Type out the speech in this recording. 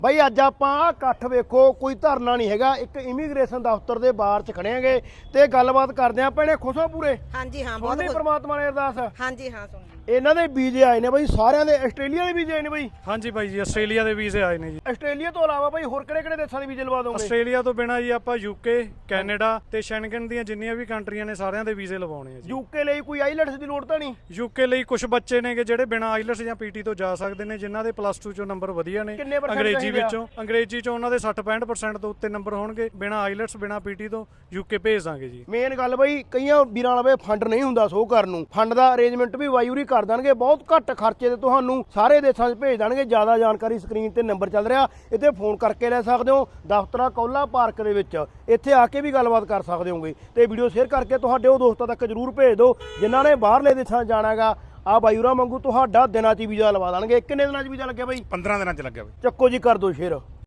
ਬਾਈ ਅੱਜ ਆਪਾਂ ਇਕੱਠ ਵੇਖੋ, ਕੋਈ ਧਰਨਾ ਨਹੀਂ ਹੈਗਾ, ਇੱਕ ਇਮੀਗ੍ਰੇਸ਼ਨ ਦਫ਼ਤਰ ਦੇ ਬਾਹਰ 'ਚ ਖੜੇ ਆਂਗੇ ਤੇ ਗੱਲਬਾਤ ਕਰਦੇ ਆਂ। ਭੈਣੇ ਖੁਸ਼ ਹੋ ਪੂਰੇ? ਹਾਂਜੀ ਹਾਂ, ਬਹੁਤ ਬਹੁਤ ਪ੍ਰਮਾਤਮਾ ਨੇ ਅਰਦਾਸ। ਹਾਂਜੀ ਹਾਂ, ਸੁਣ ਇਹਨਾਂ ਦੇ ਵੀਜ਼ੇ ਆਏ ਨੇ ਬਾਈ, ਸਾਰਿਆਂ ਦੇ। ਆਸਟ੍ਰੇਲੀਆ ਦੇ ਵੀਜ਼ੇ ਆਏ ਨੇ ਬਾਈ? ਹਾਂਜੀ ਬਾਈ ਜੀ, ਆਸਟ੍ਰੇਲੀਆ ਦੇ ਵੀਜ਼ੇ ਆਏ ਨੇ ਜੀ। ਆਸਟ੍ਰੇਲੀਆ ਤੋਂ ਇਲਾਵਾ ਬਾਈ ਹੋਰ ਕਿਹੜੇ ਦੇਸ਼ਾਂ ਦੇ ਵੀਜ਼ੇ ਲਵਾ ਦੋਗੇ? ਆਸਟ੍ਰੇਲੀਆ ਤੋਂ ਬਿਨਾਂ ਜੀ ਆਪਾਂ ਯੂਕੇ, ਕੈਨੇਡਾ ਤੇ ਸ਼ੈਂਗਨ ਦੀਆਂ ਜਿੰਨੀਆਂ ਵੀ ਕੰਟਰੀਆਂ ਨੇ ਸਾਰਿਆਂ ਦੇ ਵੀਜ਼ੇ ਲਵਾਉਣੇ ਆ ਜੀ। ਯੂਕੇ ਲਈ ਕੋਈ ਆਈਲੈਟਸ ਦੀ ਲੋੜ ਤਾਂ ਨਹੀਂ? ਯੂਕੇ ਲਈ ਕੁਝ ਬੱਚੇ ਨੇਗੇ ਜਿਹੜੇ ਬਿਨਾਂ ਆਈਲਟਸ ਜਾਂ ਪੀਟੀ ਤੋਂ ਜਾ ਸਕਦੇ ਨੇ, ਜਿਨ੍ਹਾਂ ਦੇ +2 ਚੋਂ ਨੰਬਰ ਵਧੀਆ ਨੇ। ਕਿੰਨੇ percent ਅੰਗਰੇਜ਼ੀ ਚਾਹੀਦੇ ਆ? ਵਿੱਚੋਂ ਅੰਗਰੇਜ਼ੀ ਚੋਂ ਉਹਨਾਂ ਦੇ 60-65% ਤੋਂ ਉੱਤੇ ਨੰਬਰ ਹੋਣਗੇ। ਬਿਨਾਂ ਆਈਲਟਸ ਬਿਨਾਂ ਪੀਟੀ ਤੋਂ ਯੂਕੇ ਭੇਜ ਦਾਂਗੇ ਜੀ। ਮੇਨ ਗੱਲ ਬਾਈ, ਕਈਆਂ ਵੀਰਾਂ ਵਾਲਾ ਫੰਡ ਨਹੀਂ ਹੁੰਦਾ ਸ਼ੋਅ ਕਰਨ ਨੂੰ, ਫੰਡ ਦਾ ਅਰੇਂਜਮੈਂਟ ਵੀ ਵਾਯੂਰੀ ਕਰ ਦੇਣਗੇ। ਬਹੁਤ ਘੱਟ ਖਰਚੇ ਤੇ ਤੁਹਾਨੂੰ ਸਾਰੇ ਦੇਸ਼ਾਂ 'ਚ ਭੇਜ ਦੇਣਗੇ। ਜ਼ਿਆਦਾ ਜਾਣਕਾਰੀ ਸਕਰੀਨ ਤੇ ਨੰਬਰ ਚੱਲ ਰਿਹਾ, ਇੱਥੇ ਫੋਨ ਕਰਕੇ ਲੈ ਸਕਦੇ ਹੋ। ਦਫ਼ਤਰ ਕੌਲਾ ਪਾਰਕ ਦੇ ਵਿੱਚ, ਇੱਥੇ ਆ ਕੇ ਵੀ ਗੱਲਬਾਤ ਕਰ ਸਕਦੇ ਹੋਗੇ। ਤੇ ਵੀਡੀਓ ਸ਼ੇਅਰ ਕਰਕੇ ਤੁਹਾਡੇ ਉਹ ਦੋਸਤਾਂ ਤੱਕ ਜ਼ਰੂਰ ਭੇਜ ਦਿਓ ਜਿਨ੍ਹਾਂ ਨੇ ਬਾਹਰਲੇ ਦੇਸ਼ਾਂ 'ਚ ਜਾਣਾ ਹੈਗਾ। ਆ ਬਾਈੂਰਾ ਵਾਂਗੂ ਤੁਹਾਡਾ ਦਿਨਾਂ 'ਚ ਵੀਜ਼ਾ ਲਵਾ ਦੇਣਗੇ। ਕਿੰਨੇ ਦਿਨਾਂ 'ਚ ਵੀਜ਼ਾ ਲੱਗਿਆ ਬਾਈ? 15 ਦਿਨਾਂ ਚ ਲੱਗਿਆ ਬਈ। ਚੱਕੋ ਜੀ, ਕਰ ਦਿਓ ਸ਼ੇਅਰ।